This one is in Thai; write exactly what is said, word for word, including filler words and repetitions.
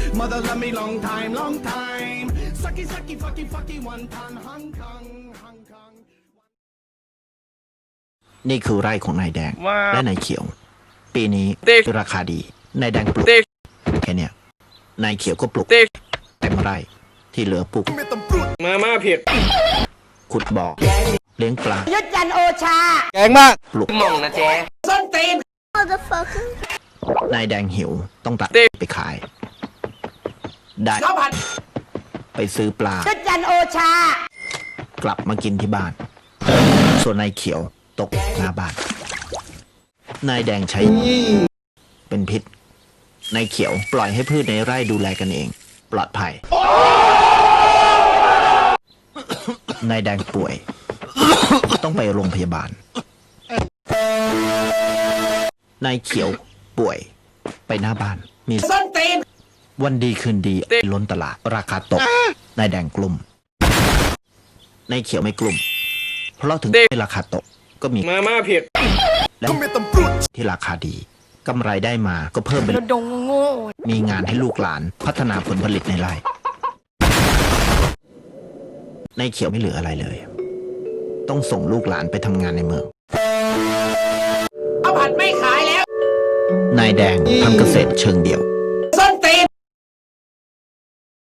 Mother love me long time, long time. Sucky, sucky, fucky, fucky, one time. Hong Kong, Hong Kong. นี่คือไร่ของนายแดงว้าวและนายเขียว ปีนี้ติ๊กราคาดีนายแดงปลูกติ๊กแค่เนี้ยนายเขียวก็ปลูกติ๊กเต็มไร่ที่เหลือปลูกมาม่าเผ็ดขุดบ่อเลี้ยงปลายุทธจันทร์โอชาแกงมากปลูกมองนะเจ๊ส้นตีนนายแดงหิวต้องตัดติ๊กไปขาย ได้ข้าวผัดไปซื้อปลายุทธจันทร์โอชากลับมากินที่บ้าน ส่วนนายเขียวตกหน้าบ้าน นายแดงใช้เป็นพิษ นายเขียวปล่อยให้พืชในไร่ดูแลกันเอง ปลอดภัย นายแดงป่วย ต้องไปโรงพยาบาล นายเขียวป่วย ไปหน้าบ้าน มีส้นตีนวันดีคืนดีล้นตลาดราคาตก นายแดงกลุ่ม นายเขียวไม่กลุ่ม เพราะถึงที่ราคาตกก็มีมาม่าเผ็ดและที่ราคาดีกำไรได้มาก็เพิ่มเป็นดงโง่มีงานให้ลูกหลานพัฒนาผลผลิตในไร่นายเขียวไม่เหลืออะไรเลย ต้องส่งลูกหลานไปทำงานในเมืองข้าวผัดไม่ขายแล้วนายแดงทำเกษตรเชิงเดี่ยวส้นตีน